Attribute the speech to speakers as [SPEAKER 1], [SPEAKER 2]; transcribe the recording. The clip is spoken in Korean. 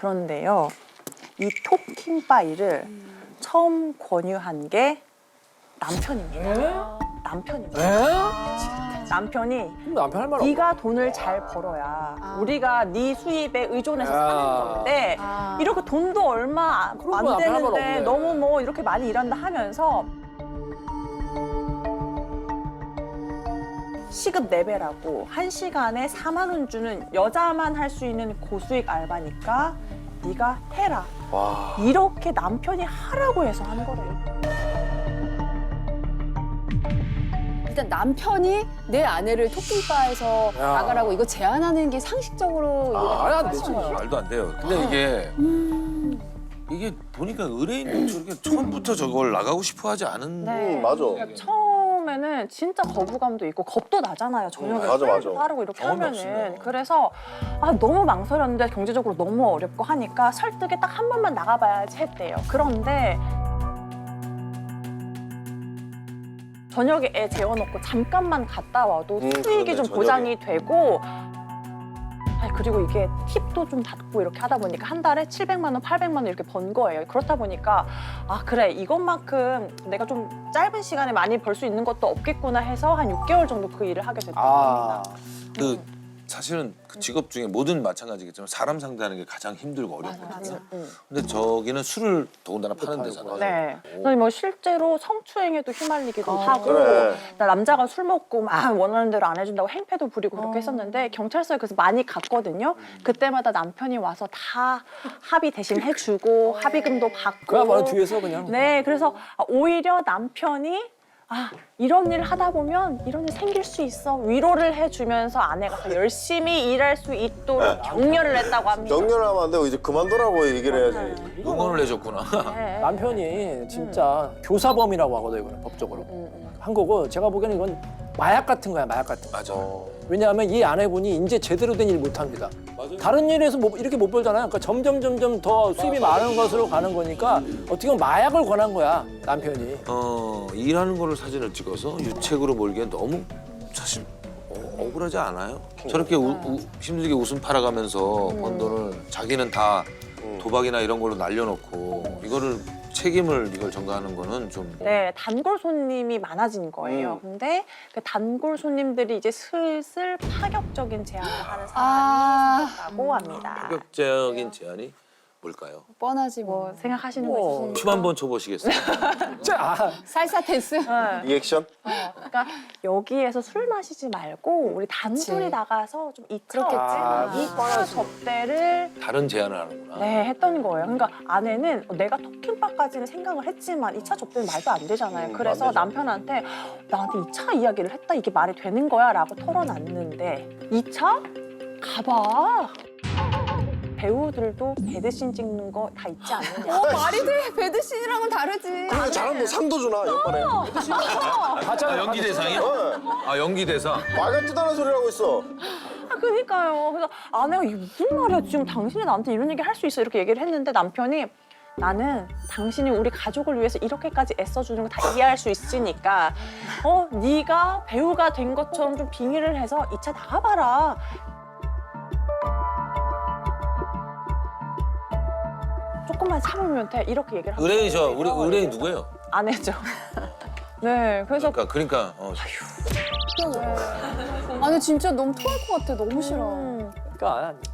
[SPEAKER 1] 그런데요, 이 토킹바이를 처음 권유한 게 남편입니다. 남편입니다. 남편이
[SPEAKER 2] 그럼 남편 할 말 없어.
[SPEAKER 1] 네가 돈을 잘 벌어야 우리가 네 수입에 의존해서 사는 건데 이렇게 돈도 얼마 안
[SPEAKER 2] 그런 거 남편 할말
[SPEAKER 1] 되는데
[SPEAKER 2] 없네.
[SPEAKER 1] 너무 뭐 이렇게 많이 일한다 하면서 시급 4배라고 1시간에 4만 원 주는 여자만 할 수 있는 고수익 알바니까 네가 해라.
[SPEAKER 3] 와.
[SPEAKER 1] 이렇게 남편이 하라고 해서 한 거래요.
[SPEAKER 4] 일단 남편이 내 아내를 토킹바에서
[SPEAKER 2] 야.
[SPEAKER 4] 나가라고 이거 제안하는 게 상식적으로 이해가
[SPEAKER 2] 안
[SPEAKER 4] 가는
[SPEAKER 2] 되지.
[SPEAKER 4] 거예요?
[SPEAKER 5] 말도 안 돼요. 근데 이게 보니까 의뢰인도 저렇게 처음부터 저걸 나가고 싶어 하지 않은.
[SPEAKER 1] 네.
[SPEAKER 3] 맞아.
[SPEAKER 1] 그러니까 처음에는 진짜 거부감도 있고 겁도 나잖아요. 저녁에
[SPEAKER 3] 맞아, 맞아.
[SPEAKER 1] 술 하라고 이렇게
[SPEAKER 5] 경험이
[SPEAKER 1] 하면은.
[SPEAKER 5] 없으면.
[SPEAKER 1] 그래서 너무 망설였는데 경제적으로 너무 어렵고 하니까 설득에 딱 한 번만 나가봐야지 했대요. 그런데 저녁에 애 재워놓고 잠깐만 갔다 와도 수익이
[SPEAKER 3] 그러네,
[SPEAKER 1] 좀
[SPEAKER 3] 저녁에.
[SPEAKER 1] 보장이 되고 그리고 이게 팁도 좀 받고 이렇게 하다 보니까 한 달에 700만 원, 800만 원 이렇게 번 거예요. 그렇다 보니까 그래 이것만큼 내가 좀 짧은 시간에 많이 벌 수 있는 것도 없겠구나 해서 한 6개월 정도 그 일을 하게 됐다고 합니다.
[SPEAKER 5] 그 사실은 그 직업 중에 뭐든 마찬가지겠지만 사람 상대하는 게 가장 힘들고 어렵거든요. 근데 저기는 술을 더군다나 파는 데잖아요.
[SPEAKER 1] 네. 그래서 뭐 실제로 성추행에도 휘말리기도 하고
[SPEAKER 3] 그래.
[SPEAKER 1] 나 남자가 술 먹고 막 원하는 대로 안 해준다고 행패도 부리고 그렇게 했었는데 경찰서에 그래서 많이 갔거든요. 그때마다 남편이 와서 다 합의 대신 해주고 합의금도 받고
[SPEAKER 2] 그야말로 뒤에서 그냥.
[SPEAKER 1] 네, 그래서 오히려 남편이 이런 일 하다 보면 이런 일 생길 수 있어 위로를 해주면서 아내가 더 열심히 일할 수 있도록 격려를 했다고 합니다.
[SPEAKER 3] 격려를 하면 안 되고 이제 그만두라고 얘기를 해야지.
[SPEAKER 5] 응원을 해줬구나.
[SPEAKER 1] 네.
[SPEAKER 2] 남편이 진짜 교사범이라고 하거든요, 이거는 법적으로. 한 거고 제가 보기에는 이건 마약 같은 거야, 마약 같은 거.
[SPEAKER 5] 맞아.
[SPEAKER 2] 왜냐하면 이 아내분이 이제 제대로 된 일 못 합니다. 다른 일에서 이렇게 못 벌잖아요. 그러니까 점점 더 수입이 많은 것으로 가는 거니까 어떻게 보면 마약을 권한 거야, 남편이.
[SPEAKER 5] 일하는 거를 사진을 찍어서 유책으로 몰기엔 너무 사실 억울하지 않아요? 저렇게 힘들게 웃음 팔아가면서 번 돈을 자기는 다 도박이나 이런 걸로 날려놓고 이거를 책임을 이걸 전가하는 거는 좀.
[SPEAKER 1] 네, 단골 손님이 많아진 거예요. 근데 그 단골 손님들이 이제 슬슬 파격적인 제안을 하는 사람이 생겼다고 합니다.
[SPEAKER 5] 파격적인 제안이 뭘까요?
[SPEAKER 4] 뻔하지 뭐.
[SPEAKER 1] 뭐 생각하시는 거 있으신가요?
[SPEAKER 5] 춤 한번 춰보시겠어요?
[SPEAKER 2] 자,
[SPEAKER 4] 살사 댄스?
[SPEAKER 1] 네.
[SPEAKER 3] 리액션?
[SPEAKER 1] 그러니까 여기에서 술 마시지 말고 우리 단둘이
[SPEAKER 4] 그치.
[SPEAKER 1] 나가서 좀 2차
[SPEAKER 4] 그렇겠지.
[SPEAKER 1] 2차 접대를
[SPEAKER 5] 다른 제안을 하는구나.
[SPEAKER 1] 네, 했던 거예요. 그러니까 아내는 내가 토킹바까지는 생각을 했지만 2차 접대는 말도 안 되잖아요. 그래서 남편한테 나한테 2차 이야기를 했다 이게 말이 되는 거야 라고 털어놨는데 2차? 가봐. 배우들도 배드신 찍는 거 다 있지 않느냐.
[SPEAKER 4] 말이 돼. 배드신이랑은 다르지.
[SPEAKER 3] 그래 잘하면 뭐 상도 주나 옆반에.
[SPEAKER 5] 연기 대상이요? 연기 대상.
[SPEAKER 3] 말 같지도 않은 소리를 하고 있어.
[SPEAKER 1] 그러니까요. 그래서 아내가 이게 무슨 말이야. 지금 당신이 나한테 이런 얘기 할 수 있어. 이렇게 얘기를 했는데 남편이 나는 당신이 우리 가족을 위해서 이렇게까지 애써주는 거 다 이해할 수 있으니까 네가 배우가 된 것처럼 좀 빙의를 해서 2차 나가봐라. 조금만 참으면 돼. 이렇게 얘기를 하고
[SPEAKER 5] 의뢰인 우리 의뢰인 누구예요?
[SPEAKER 1] 아내죠. 네, 그래서
[SPEAKER 5] 그러니까
[SPEAKER 4] 아니 진짜 너무 토할 것 같아. 너무 싫어.
[SPEAKER 1] 음,
[SPEAKER 2] 그러니까